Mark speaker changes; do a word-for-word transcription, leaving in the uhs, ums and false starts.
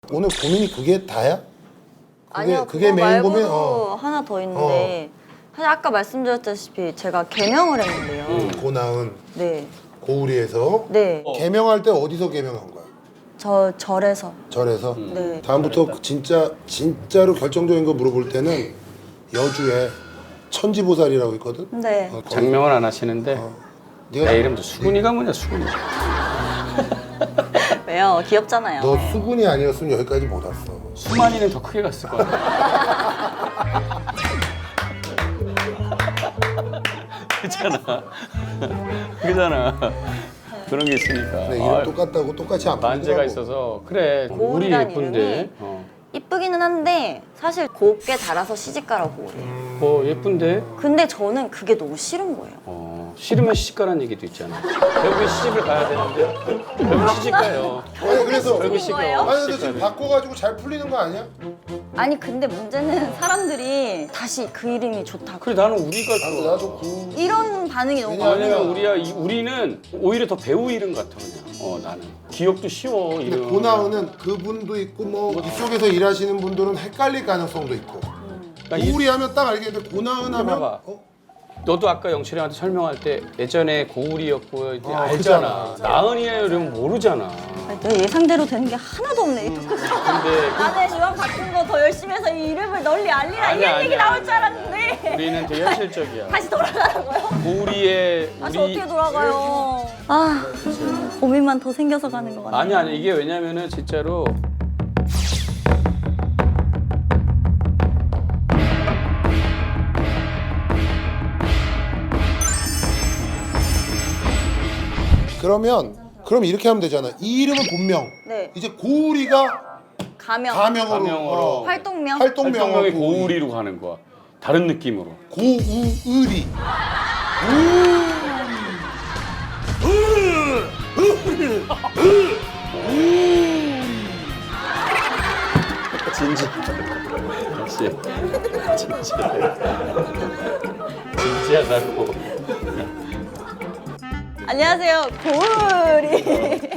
Speaker 1: 오늘 고민이 그게 다야? 그게,
Speaker 2: 아니요,
Speaker 1: 그게
Speaker 2: 그거
Speaker 1: 메인
Speaker 2: 말고도
Speaker 1: 고민? 어.
Speaker 2: 하나 더 있는데 사실 아까 말씀드렸다시피 제가 개명을 했는데요.
Speaker 1: 음, 고나은
Speaker 2: 네,
Speaker 1: 고우리에서
Speaker 2: 네,
Speaker 1: 개명할 때 어디서 개명한 거야?
Speaker 2: 저 절에서.
Speaker 1: 절에서?
Speaker 2: 네.
Speaker 1: 다음부터 진짜 진짜로 결정적인 거 물어볼 때는 여주에 천지보살이라고 있거든?
Speaker 2: 네.
Speaker 1: 어, 거기-
Speaker 3: 장명은 안 하시는데
Speaker 1: 네가
Speaker 3: 내 이름도 수근이가 뭐냐 수근이.
Speaker 2: 왜요? 귀엽잖아요.
Speaker 1: 너 수군이 아니었으면 여기까지 못 왔어.
Speaker 3: 수만이는 더 크게 갔을 거야. 그잖아. 그잖아. 그런 게 있으니까.
Speaker 1: 근데 이름
Speaker 3: 아유,
Speaker 1: 똑같다고 똑같이 안
Speaker 3: 만재가
Speaker 1: 보이더라고.
Speaker 3: 있어서 그래. 우리
Speaker 2: 고울이란
Speaker 3: 예쁜데.
Speaker 2: 이름이?
Speaker 3: 어.
Speaker 2: 이쁘기는 한데 사실 곱게 달아서 시집가라고 그래요.
Speaker 3: 어 예쁜데.
Speaker 2: 근데 저는 그게 너무 싫은 거예요.
Speaker 3: 어 싫으면 시집가라는 얘기도 있잖아. 결국에 시집을 가야 되는데 결국 시집 가요.
Speaker 1: 아니 그래서
Speaker 3: 결국
Speaker 2: 시집인 거예요?
Speaker 3: 시집가요.
Speaker 1: 아니 근데 지금 바꿔가지고 잘 풀리는 거 아니야?
Speaker 2: 아니 근데 문제는 사람들이 다시 그 이름이 좋다고
Speaker 3: 그래 나는 우리가
Speaker 1: 나도
Speaker 3: 좋아.
Speaker 1: 나도 구
Speaker 2: 이런 반응이 너무
Speaker 1: 왜냐면-
Speaker 2: 많아요.
Speaker 3: 왜냐면 우리야 이- 우리는 오히려 더 배우 이름 같아 그냥. 어 나는 기억도 쉬워
Speaker 1: 근데
Speaker 3: 이름.
Speaker 1: 고나은은 그분도 있고 뭐 이쪽에서 일하시는 분들은 헷갈릴 가능성도 있고
Speaker 3: 그러니까 이-
Speaker 1: 고우리 하면 딱 알겠는데 고나은 하면
Speaker 3: 봐봐.
Speaker 1: 어?
Speaker 3: 너도 아까 영철이 형한테 설명할 때 예전에 고울이었고 이제
Speaker 1: 어,
Speaker 3: 알잖아.
Speaker 1: 그잖아.
Speaker 3: 나은이야 이러면 모르잖아.
Speaker 2: 아니, 내 예상대로 되는 게 하나도 없네. 이 토크가.
Speaker 3: 근데
Speaker 2: 나는 이왕 바꾼 거 더 열심히 해서 이 이름을 널리 알리라
Speaker 3: 아니야,
Speaker 2: 이런 얘기
Speaker 3: 아니야,
Speaker 2: 나올 줄 알았는데
Speaker 3: 우리는 되게 현실적이야.
Speaker 2: 다시 돌아가라고요?
Speaker 3: 고울이의
Speaker 2: 다시
Speaker 3: 우리
Speaker 2: 어떻게 돌아가요? 아 고민만 더 생겨서 가는 것 같네.
Speaker 3: 아니 아니 이게 왜냐면은 진짜로
Speaker 1: 그러면 그럼 이렇게 하면 되잖아. 이 이름은 본명.
Speaker 2: 네.
Speaker 1: 이제 고우리가
Speaker 2: 가명,
Speaker 1: 가명으로,
Speaker 3: 가명으로.
Speaker 1: 어,
Speaker 2: 활동명.
Speaker 1: 활동명으로
Speaker 3: 활동명이
Speaker 1: 고우리.
Speaker 3: 고울이로 가는 거야. 다른 느낌으로.
Speaker 1: 고우의리.
Speaker 3: 진지. 역시 진지해. 진지하다고.
Speaker 2: 안녕하세요 고우리.